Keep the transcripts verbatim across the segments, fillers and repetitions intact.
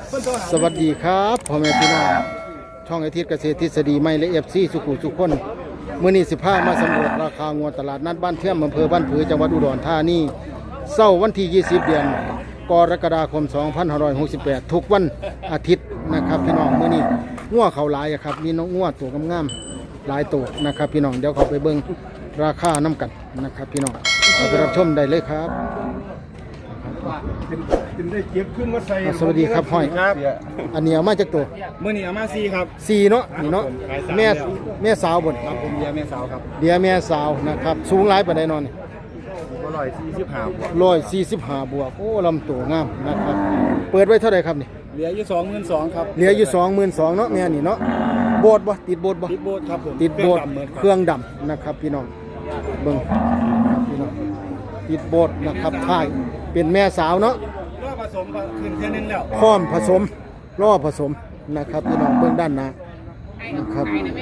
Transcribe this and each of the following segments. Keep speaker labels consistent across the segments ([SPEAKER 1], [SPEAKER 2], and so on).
[SPEAKER 1] สวัสดีครับพ่อแม่พี่น้องช่องไอทิศเกษตรทฤษฎีใหม่และเอฟซีสุขุสุขคนมื้อนี้สิบห้ามาสำรวจราคางวตลาดนัดบ้านเทียมอำเภอบ้านผือจังหวัดอุดรธานีเช้าวันที่ยี่สิบเดือนกรกฎาคมสองพันห้าร้อยหกสิบแปดทุกวันอาทิตย์นะครับพี่น้องมื้อนี้งัวเขาหลายครับมีน้องงัวตัวงามๆหลายตัวนะครับพี่น้องเดี๋ยวเขาไปเบิ่งราคาน้ำกันนะครับพี่น้องเอาไปรับชมได้เลยครับสวัสดีครับห้อยอันนี้เอามาจากตัว
[SPEAKER 2] เมื่อนี้เอามาซีครับ
[SPEAKER 1] สี่เนาะนี่เนาะแม่แม่สาวบน
[SPEAKER 2] ครับผมเดียแม่สาวครับ
[SPEAKER 1] เดียแม่สาวนะครับสูงหลายปานใดนอนนี่
[SPEAKER 2] อร่อยสี่สิบห้าบวก
[SPEAKER 1] ร้อยสี่สิบห้าบวกโอ้ลำตัวงามนะครับเปิดไว้เท่าไหร่ครับนี่
[SPEAKER 2] เหลืออยู่สองหมื่นสองครับ
[SPEAKER 1] เหลืออยู่สองหมื่นสองเนาะแม่นี่เนาะโบดบ่ติดโบดบ่
[SPEAKER 2] ติดโบสครับผม
[SPEAKER 1] ติดโบด
[SPEAKER 2] เค
[SPEAKER 1] เค
[SPEAKER 2] รื่
[SPEAKER 1] รื่
[SPEAKER 2] อ
[SPEAKER 1] อง ง
[SPEAKER 2] ด
[SPEAKER 1] ดำนะครับพี่น้องเบิ่งครับพี่น้องติดโบดนะครับท้ายเป็นแม่สาวเนาะ
[SPEAKER 2] ำก็ผสมก็ขึ้นแค่นั้นแล้ว
[SPEAKER 1] พร้อมผสมล่อผสมนะครับพี่น้องเบื้องด้านหน้านะครับ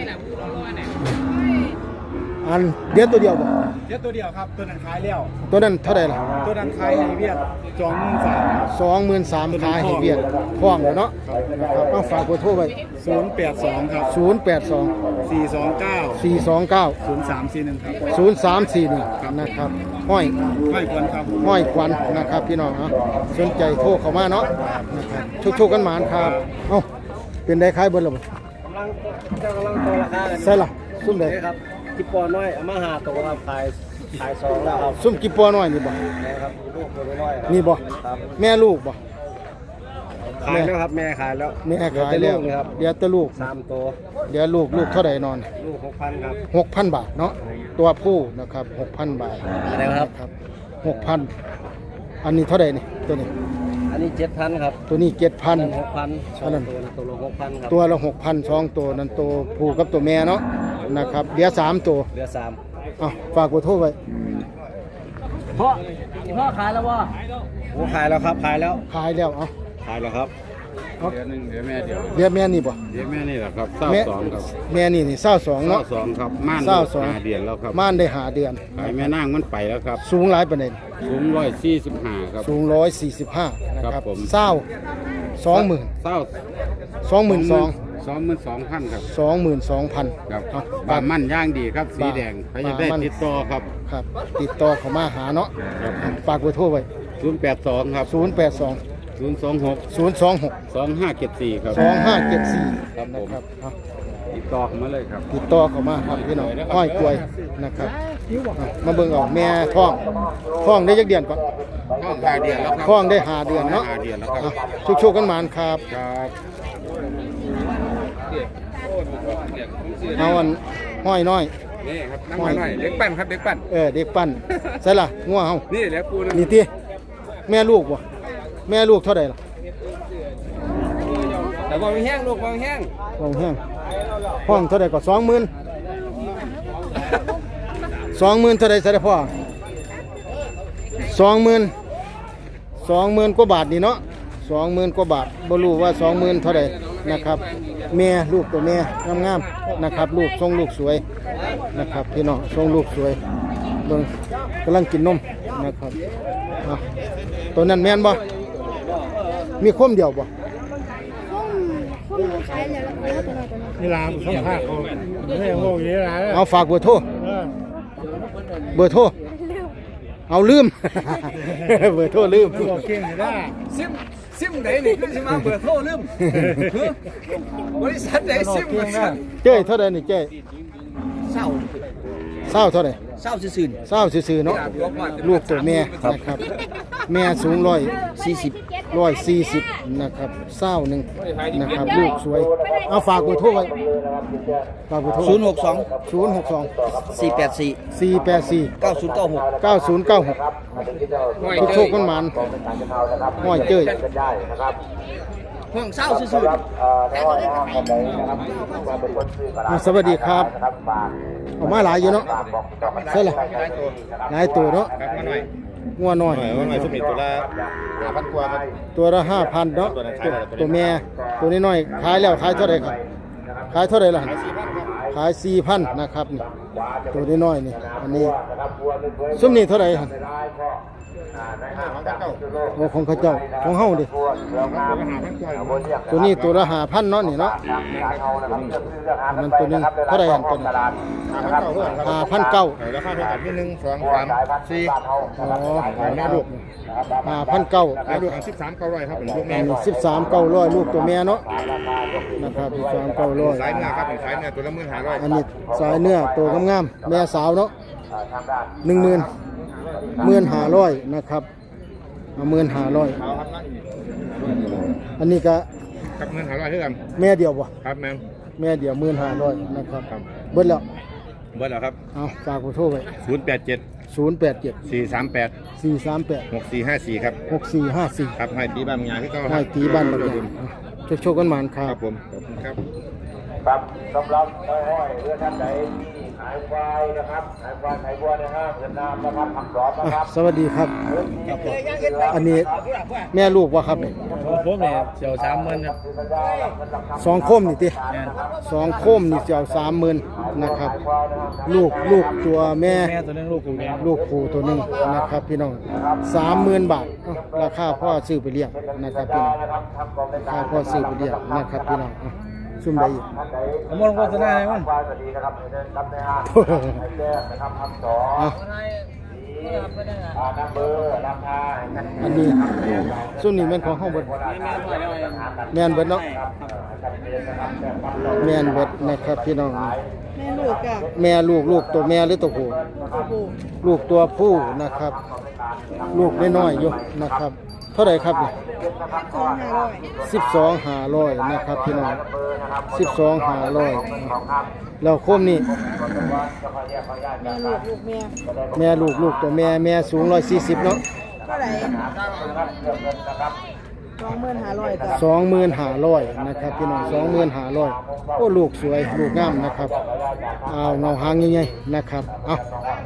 [SPEAKER 1] อันเดียวตัวเดียวบ่
[SPEAKER 2] เดี๋ยวตัวเดียวครับตัวนั้นขายแล้ว
[SPEAKER 1] ตัวนั้นเท่าไหร่ล่ะ
[SPEAKER 2] ตัวนั้นขายให้เวียดสองหมื่นสาม
[SPEAKER 1] สองหมื่นสามขายให้เวียดท้องแล้วเนาะนะครับต้องฝากเบอร์โทรไว้
[SPEAKER 2] ศูนย์แปดสองครับ
[SPEAKER 1] ศูนย์แปดสอง
[SPEAKER 2] สี่สองเก้า
[SPEAKER 1] สี่สองเก้า
[SPEAKER 2] ศูนย์สามสี่หนึ่งครับ
[SPEAKER 1] ศูนย์สามสี่หนึ่งนะครับห้อย
[SPEAKER 2] ไม่ควรครับ
[SPEAKER 1] ห้อยควันนะครับพี่น้องเอาสนใจโทรเข้ามาเนาะนะครับชุกๆกันหมานครับเอ้าเป็นได้ขายเบิดแล้วบ่
[SPEAKER 3] กำลังเจ้ากำลังโตราคากัน
[SPEAKER 1] ใช่ล่ะซุ่มได้
[SPEAKER 3] ครับจิปปอน้อยเอามาหาตัวครับขายขายสองแล้วครับ
[SPEAKER 1] ซุ่มกี่ปัวน้อยนี่บ่
[SPEAKER 3] นะครับลูกตัวน้อยครับ
[SPEAKER 1] นี่บ่
[SPEAKER 3] ครับ
[SPEAKER 1] แม่ลูกบ่
[SPEAKER 3] ขายแล้วครับแม่ขายแล้ว
[SPEAKER 1] แม่ขายแล้ว
[SPEAKER 3] เดี๋ยวจะกครับ
[SPEAKER 1] เดี๋ยวแตะลูก
[SPEAKER 3] สามตัว
[SPEAKER 1] เดี๋ยวลูกลูกเท่าไหร่นอน
[SPEAKER 3] ลูกหกพันครับ
[SPEAKER 1] หกพันบาทเนาะตัวผู้นะครับหกพันบาท
[SPEAKER 3] อะไรครับ
[SPEAKER 1] ครับหกพันอันนี้เท่าไหร่นี่ตัวนี้
[SPEAKER 3] อันนี้เจ็ดพันครับ
[SPEAKER 1] ตัวนี้เจ็ดพัน
[SPEAKER 3] หกพันสอง
[SPEAKER 1] อันนั้น
[SPEAKER 3] ตัวนะตัวละหกพันครับ
[SPEAKER 1] ตัวละหกพันสองตัวนั้นตัวผู้กับตัวแม่เนาะนะครับเดี๋ยวสามตัว
[SPEAKER 3] เหลือสาม
[SPEAKER 1] อ่ะฝากกดโทรไว้
[SPEAKER 3] พ่อพ่อขายแล้ววะโอ้ขายแล้วครับขายแล้ว
[SPEAKER 1] ขายแล้วเอา
[SPEAKER 3] ขายแล้วครับ
[SPEAKER 1] เอา
[SPEAKER 4] เดือนหนึ่งเดี๋ยวแม่เดี๋ยว
[SPEAKER 1] เดี๋ยวแม่นี่บ่
[SPEAKER 4] เดี๋ยวแม่นี่แหละครับเศร้า
[SPEAKER 1] แม่
[SPEAKER 4] สองครับ
[SPEAKER 1] แม่นี่นี่เศร้าสอง
[SPEAKER 4] เศร้า
[SPEAKER 1] เนาะ
[SPEAKER 4] สองครับม่าน
[SPEAKER 1] เศร้าสอง
[SPEAKER 4] หาเดือนแล้วครับ
[SPEAKER 1] ม่านได้หาเดือน
[SPEAKER 4] ขายแม่นางมันไปแล้วครับ
[SPEAKER 1] สูงหลายประเด็น
[SPEAKER 4] สูงร้อยสี่สิบห้าครับ
[SPEAKER 1] สูงร้อยสี่สิบห้านะค
[SPEAKER 4] ครั
[SPEAKER 1] รับบ
[SPEAKER 4] ผม
[SPEAKER 1] เศร้าสองหมื่น
[SPEAKER 4] เศร้า
[SPEAKER 1] สองหมื่นสอง
[SPEAKER 4] สองหมื่นสองพันครับ
[SPEAKER 1] สองหมื่นสองพัน
[SPEAKER 4] ครับ
[SPEAKER 1] เอา
[SPEAKER 4] บามั่นย่างดีครับ สีแดงใครจะได้
[SPEAKER 1] บามั่น
[SPEAKER 4] ติดต่อครับ
[SPEAKER 1] ครับ ติดต่อเขามาหาเนาะ
[SPEAKER 4] ครับ
[SPEAKER 1] ฝากเบอร์โทรไว้
[SPEAKER 4] ศูนย์แปดสองครับ
[SPEAKER 1] ศูนย์แปดสอง
[SPEAKER 4] ศูนย์สองหก
[SPEAKER 1] ศูนย์สองหก
[SPEAKER 4] สองห้าเจ็ดสี่ครับ
[SPEAKER 1] สองห้าเจ็ดสี่
[SPEAKER 4] ครับผม
[SPEAKER 1] นะครับเอา
[SPEAKER 4] ติดต่อเข้ามาเลยครับ
[SPEAKER 1] ติดต่อเขามาครับพี่น้องห้อยกล้วยนะครับเอามาเบิ่งเอาแม่ท้องท้องได้ยักเดือนก่อน
[SPEAKER 4] ท้องหาเดือนแล้วครับ
[SPEAKER 1] ท้องได้หาเดือนเนาะ
[SPEAKER 4] หาเดือนแล้วครับ
[SPEAKER 1] ชุกชกๆกันหมานครับ
[SPEAKER 4] ครับ
[SPEAKER 1] เอาอันห้อยน้อย
[SPEAKER 4] นี่ครับนั่งมาหน่อยเด็กปั้นครับเด็กปั้น
[SPEAKER 1] เออเด็กปั้นใช่ล่ะงัวเฮา
[SPEAKER 4] นี่เดี๋ยวกูนะ
[SPEAKER 1] นี่ติแม่ลูกบ่แม่ลูกเท่าใดล่ะ
[SPEAKER 4] แต่ว่าแห้งลูกว่าแห้ง
[SPEAKER 1] ห้องแห้งห้องเท่าใดก็สองหมื่นสองหมื่นเท่าใดซะเด้อพ่อสองหมื่นสองหมื่นกว่าบาทนี่เนาะสองหมื่นกว่าบาทบ่รู้ว่าสองหมื่นเท่าใดนะครับแม่ลูกตัวแม่งามๆนะครับลูกทรงลูกสวยนะครับพี่น้องทรงลูกสวยเบิ่งกำลังกินนมนะครับเอาตัวนั้นแม่นบ่มีคมเดียวบ่
[SPEAKER 2] นี่ลามสัมภาษณ์เขาไม่โง่อยางนี้ละ
[SPEAKER 1] เอาฝากเบอร์โทรเบอร์โทรเอาลืม เบอร์โทรลืม
[SPEAKER 2] บอกเก่งเลยนะ
[SPEAKER 5] ซิมซิมไหนนี่คือสิมาเบอร์โทรลืมบริษัทไหนซิมมาสั่ง
[SPEAKER 1] เจ้ยเท่าใดนี่เจ้ย
[SPEAKER 5] เศร้า
[SPEAKER 1] เศร้าเท่าใด
[SPEAKER 5] เศร้าซื่อ
[SPEAKER 1] เศร้าซื่อๆเนาะลูกตัวแม่นะครับแม่สูงร้อยสี่สิบร้อยสี่สิบนะครับเศร้าหนึ่งนะครับลูกสวยเอาฝากเบอร์โทรไว้ฝากเบอร์โทร
[SPEAKER 5] ศูนย์หกสอง
[SPEAKER 1] ศูนย์หกสอง
[SPEAKER 5] สี่แปดสี่
[SPEAKER 1] สี่แปดสี่
[SPEAKER 5] เก้าศูนย์เก้าหก
[SPEAKER 1] เก้าศูนย์เก้าหกทุกโชคกันหมันห้อยเจ้ย
[SPEAKER 5] ห้องเศร้าซื่อ
[SPEAKER 1] อ่าสวัสดีครับออกมาหลายอยู่เนาะใช่เลยหลายตัวเนาะงัวน้อย
[SPEAKER 4] ว่าไงสมิตตัวละห้าพันกว่าครับ
[SPEAKER 1] ตัวละห้าพันเนาะ
[SPEAKER 4] ตัวนั้นขายแล้ว
[SPEAKER 1] ตัวแม่ตัวนี้น้อยขายแล้วขายเท่าไหร่ครับขายเท่าไหร่ล่ะขายสี่พันนะครับนี่ตัวนี้น้อยนี่อันนี้ซุ้มนี่เท่าไหร่ครับ
[SPEAKER 4] อ
[SPEAKER 1] โอ้ของเขาเจ้าของเฮาดิตัวนี้ตัวละห้าพันเนาะนี่เนาะมันตัวนึงเท่าไหร่อันตัวนี้ห้าพันเก้า
[SPEAKER 4] ราคาเท่ากันที่หนึ่งสองสามสี่
[SPEAKER 1] อ๋อ
[SPEAKER 4] แม่ลูก
[SPEAKER 1] ห้าพันเก้า
[SPEAKER 4] แม่ลูกอันสิบสามเก้าร้อยครับเป็นลูกแม่
[SPEAKER 1] สิบสามเก้าร้อยลูกตัวแม่เนาะนะครับสิบสามเก้าร้อย
[SPEAKER 4] สายเนื้อครับเป็นสายเนื้อตัวละหมื่นห้าร้อย
[SPEAKER 1] อันนี้สายเนื้อตัวงามๆแม่สาวเนาะหนึ่งหมื่นหมื่นห้าร้อยนะครับหมื่นห้าร้อยอันนี้ก็
[SPEAKER 4] ครับหมื่นห้าร้อยเท่ากัน
[SPEAKER 1] แม่เดียวบ่
[SPEAKER 4] ครับแม่
[SPEAKER 1] แม่เดียวหมื่นห้าร้อยนะครับเบิดแล้ว
[SPEAKER 4] เบิร์ดแล้วครับ
[SPEAKER 1] เอาฝากขอโทษไว้
[SPEAKER 4] ศูนย์แปดเจ็ด
[SPEAKER 1] ศูนย์แปดเจ็ด
[SPEAKER 4] สี่สามแปด
[SPEAKER 1] สี่สามแปด
[SPEAKER 4] หกสี่ห้าสี่ครับ
[SPEAKER 1] หกสี่ห้าสี่
[SPEAKER 4] ครับให้ตีบ้านงานที่เขา
[SPEAKER 1] ให้ตีบ้านบักยางโชคๆกันหมานค
[SPEAKER 4] ค
[SPEAKER 1] รั
[SPEAKER 4] รั
[SPEAKER 1] บบ
[SPEAKER 4] ผมขอบคุณครับ
[SPEAKER 5] ครับสำหรับห้อยเรือท่านใดที่ขายควายนะครับขายควายขายวัวในห้างเวียดนามนะครับทำร้อนนะครับ
[SPEAKER 1] สวัสดีครับ อันนี้แม่ลูกวะครับเนี่ย
[SPEAKER 3] ผมเนี่ยเสียวสามหมื่นครับ
[SPEAKER 1] สองโคมนี่ติสองโคมนี่เจ้าสามหมื่นนะครับ ลูกลูกตัวแม่
[SPEAKER 3] แม่ตัวนึงลูกกูแม่
[SPEAKER 1] ลูกผูตัวหนึ่งนะครับพี่น้องสามหมื่นบาทเอ้าราคาพ่อซื้อไปเลี้ยงนะครับพี่น้องราคาพ่อซื้อไปเลี้ยงนะครับพี่น้องอ่ะซุ่มได้อีก
[SPEAKER 3] ผมมองโฆษณาให้มัน
[SPEAKER 5] ควายสวัสดีนะครับเดินรับในห้างไอ้แก้นะครับทำสอง
[SPEAKER 1] อ่ะ
[SPEAKER 5] อ่าน้ำเบอร์ราคา
[SPEAKER 1] อันนี้ส่วนนี้แม่นของห้องเบิดแม่นเบิดเนาะแม่นเบิดนะครับพี่น้อง
[SPEAKER 6] แม่ลูกจ้ะ
[SPEAKER 1] แม่ลูกลูกตัวแม่หรือตัวผู้
[SPEAKER 6] ตัวผู้
[SPEAKER 1] ลูกตัวผู้นะครับ ลูกน้อยๆอยู่นะครับ เท่าไหร่ครับเนี่ย
[SPEAKER 6] สองห้าร้อย
[SPEAKER 1] สิบสองห้าร้อยนะครับพี่น้องสิบสองห้าร้อยแล้วโคมนี่
[SPEAKER 6] แม่ลูกลูกแม่
[SPEAKER 1] แม่ลูกลูกตัวแม่แม่สูงร้อยสี่สิบเนาะ
[SPEAKER 6] เท่าไหร่สองหมื่นห้าร้อยจ้ะ
[SPEAKER 1] สองหมื่นห้าร้อยนะครับพี่น้องสองหมื่นห้าร้อยโอ้ลูกสวยลูกงามนะครับเอาเงาหางใหญ่ๆนะครับเอา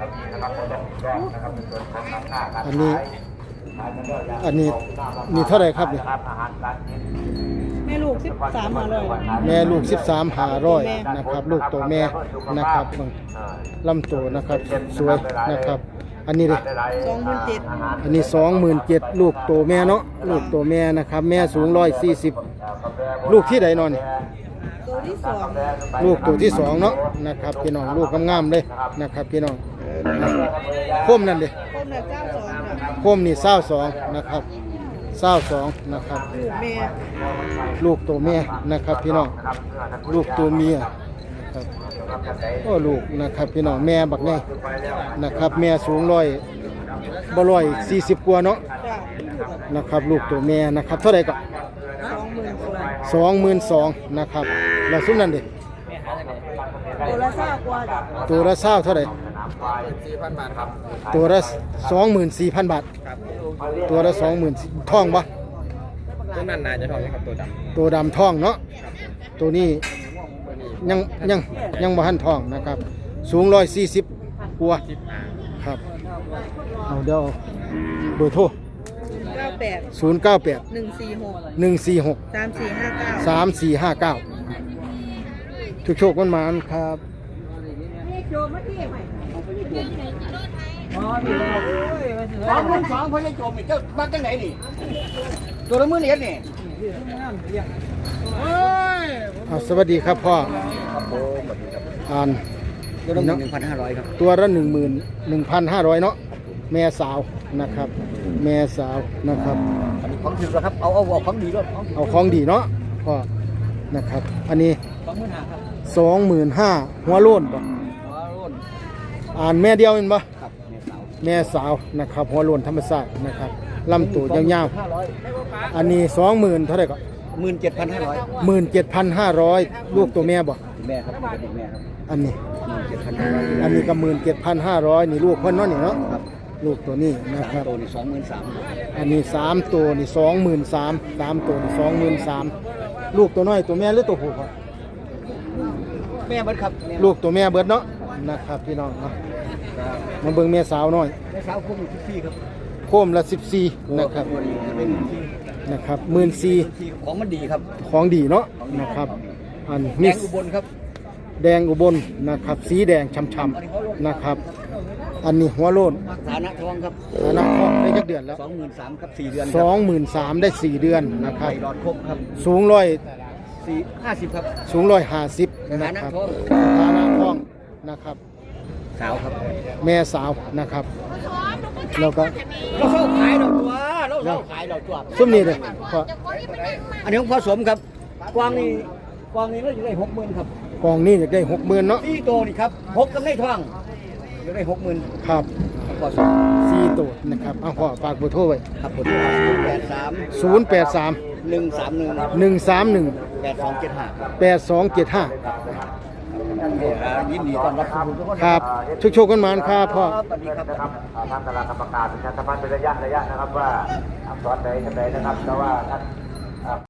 [SPEAKER 1] อันนี้ อันนี้นี่เท่าไหร่ครับเนี่ย
[SPEAKER 6] แม่ลูกสิบสามห้าร้อย
[SPEAKER 1] แม่ลูกสิบสามห้าร้อยนะครับลูกตัวแม่นะครับลำตัวนะครับสวยนะครับ อันนี้เลย
[SPEAKER 6] สองหมื่นเจ็ด
[SPEAKER 1] อันนี้สองหมื่นเจ็ดลูกตัวแม่เนาะลูกตัวแม่นะครับแม่สูงร้อยสี่สิบลูกที่ใดนอน
[SPEAKER 6] ตัวที่สอง
[SPEAKER 1] ลูกตัวที่สองเนาะนะครับพี่น้องลูกงามๆเลยนะครับพี่น้องโคมนั่นเลย
[SPEAKER 6] คนละเก้าสองจ้ะ
[SPEAKER 1] โคมนี่เศร้าสองนะครับเศร้าสองนะครับ
[SPEAKER 6] ลูกแม่
[SPEAKER 1] ลูกตัวแม่นะครับพี่น้องลูกตัวเมียนะครับโอ้ลูกนะครับพี่น้องแม่บักแน่นะครับแม่สูงร้อยบ่ร้อยสี่สิบกว่าเนาะ
[SPEAKER 6] จ้ะ
[SPEAKER 1] นะครับลูกตัวแม่นะครับเท่าไหร่ก็
[SPEAKER 6] สองหมื่นสอง
[SPEAKER 1] สองหมื่นสองนะครับแล้วซุ้มนั่นดิ
[SPEAKER 6] ตัวละเศร้ากว่าจ้ะ
[SPEAKER 1] ตัวละเศร้าเท่าไหร่
[SPEAKER 4] สี่พันบาทครับ
[SPEAKER 1] ตัวละสองหมื่นสี่พันบาทตัวละสองหมื่นท่องปะ
[SPEAKER 4] ต้นนั้นน่าจะทองครับตัวด
[SPEAKER 1] ตัวดำท่องเนาะตัวนี้ยังยังยังบ่ทันท่องนะครับ สูงร้อยสี่สิบกว่าครับเอาเดี๋ยวเบอร์โทร
[SPEAKER 6] เก้าแปด
[SPEAKER 1] ศูนย์เก้าแปด
[SPEAKER 6] หนึ่งสี่หก
[SPEAKER 1] หนึ่งสี่หก
[SPEAKER 6] สามสี่ห้าเก้า
[SPEAKER 1] สามสี่ห้าเก้าทุกโชคมันมาครับ
[SPEAKER 5] สองหมื่นสองพอจะจบอีกเจ้าบ้านจังไหนนี่ตัวละหมื่นเหรียญนี่
[SPEAKER 1] อ่าสวัสดีครับพ่ออ่าน
[SPEAKER 5] ตัวละหนึ่งพันห้าร้อยครับ
[SPEAKER 1] ตัวละหนึ่งหมื่นหนึ่งพันห้าร้อยเนาะแม่สาวนะครับ แม่สาวนะครับ
[SPEAKER 5] ของถึงแล้วครับเอาเอาเอาของดีด้วย
[SPEAKER 1] เอาของดีเนาะพ่อนะครับ อันนี้
[SPEAKER 5] สองหมื่นห้าครับ
[SPEAKER 1] สองหมื่นห้าหัวโล้นป่ะ
[SPEAKER 5] หัวรุ่น
[SPEAKER 1] อ่านแม่เดียวเห็นป่ะ
[SPEAKER 5] ครับแม่สาว
[SPEAKER 1] แม่สาวนะครับ หัวโล้นธรรมชาตินะครับลำตัวยาว
[SPEAKER 5] ห้าร้อย
[SPEAKER 1] ๆอันนี้สองหมื่นเท่าไหร่ก็
[SPEAKER 5] หมื่นเจ็ดพันห้าร้อย
[SPEAKER 1] หมื่นเจ็ดพันห้าร้อยลูกตัวแม่บ่
[SPEAKER 5] แม่ครับเป็นเด็กแม่ครับ
[SPEAKER 1] อันนี้
[SPEAKER 5] หมื่นเจ็ดพันห้าร้อย
[SPEAKER 1] อันนี้ก็หมื่นเจ็ดพันห้าร้อยนี่ลูกเพิ่นเนาะนี่เนาะ
[SPEAKER 5] ครับ
[SPEAKER 1] ลูกตัวนี้นะครับ
[SPEAKER 5] ตัวนี่สองหมื่นสาม
[SPEAKER 1] อันนี้สามตัวนี่สองหมื่นสามสามตัวนี่สองหมื่นสามลูกตัวน้อยตัวแม่หรือตัวผู้ครับ
[SPEAKER 5] แม่เบิดครับแม่
[SPEAKER 1] ลูกตัวแม่เบิดเนาะนะครับพี่น้องเนาะมาเบิ่งแม่สาวน้อย
[SPEAKER 5] แม่สาวคุ้มอยู่ที่พี่ครับ
[SPEAKER 1] โคมละสิบสี่นะครับ
[SPEAKER 5] ตัวนี้จะเป็นที่
[SPEAKER 1] นะครับหมื่นสี่
[SPEAKER 5] ที่ของมันดีครับ
[SPEAKER 1] ของดีเนาะนะครับอัน
[SPEAKER 5] แด
[SPEAKER 1] มี
[SPEAKER 5] งอุบลครับ
[SPEAKER 1] อแดงอุบลนะครับสีแดงช่ำๆนะครับ อันนี้หัวโลน
[SPEAKER 3] ฐานะทองครับ
[SPEAKER 1] ฐานะทองได้จักเดือนแล้ว
[SPEAKER 3] สองหมื่นสามครับสี่เดือน
[SPEAKER 1] สองหมื่นสามได้สี่เดือนนะครับ
[SPEAKER 3] ไข่หลอดครบครับ
[SPEAKER 1] สูงร้อย
[SPEAKER 3] สี่ห้าสิบครับ
[SPEAKER 1] สูงร้อยห้าสิบนะครับฐานะทองนะครับ
[SPEAKER 3] สาวครับ
[SPEAKER 1] แม่สาวนะครับ แล้วก็
[SPEAKER 3] เราเช่าขายเราตัวเราเช่าขายเราตัว
[SPEAKER 1] ซุ้มนี้เลยก็
[SPEAKER 3] อันนี้ของผสมครับกวางนี่กวางนี่เราจะได้หกหมื่นครับ
[SPEAKER 1] กองนี้อยากได้หกหมื่นเนาะ
[SPEAKER 3] สี่โตนี่ครับหกกำไรทองจะได้หกหมื่น
[SPEAKER 1] ครับ
[SPEAKER 3] ผสม
[SPEAKER 1] สี่ตัวนะครับเอาพ่อฝากเบอร์โทรไว้
[SPEAKER 3] ครับผมแปดสาม
[SPEAKER 1] ศูนย์แปดสาม
[SPEAKER 3] หนึ่งสามหนึ่ง
[SPEAKER 1] หนึ่งสามหนึ่ง
[SPEAKER 3] แปดสองเจ็ดห้าครับ
[SPEAKER 1] แปดสองเจ็ดห้า
[SPEAKER 3] ยินดีต้อนรับทุกคน
[SPEAKER 1] ครับชุกโชคกันมาครับพ่อ
[SPEAKER 3] สวัสดีครับ
[SPEAKER 5] นะครับอ่าทางคณะกรรมการประชาสัมพันธ์เป็นระยะระยะนะครับว่าอักษรใดกันใดนะครับแต่ว่าท่าน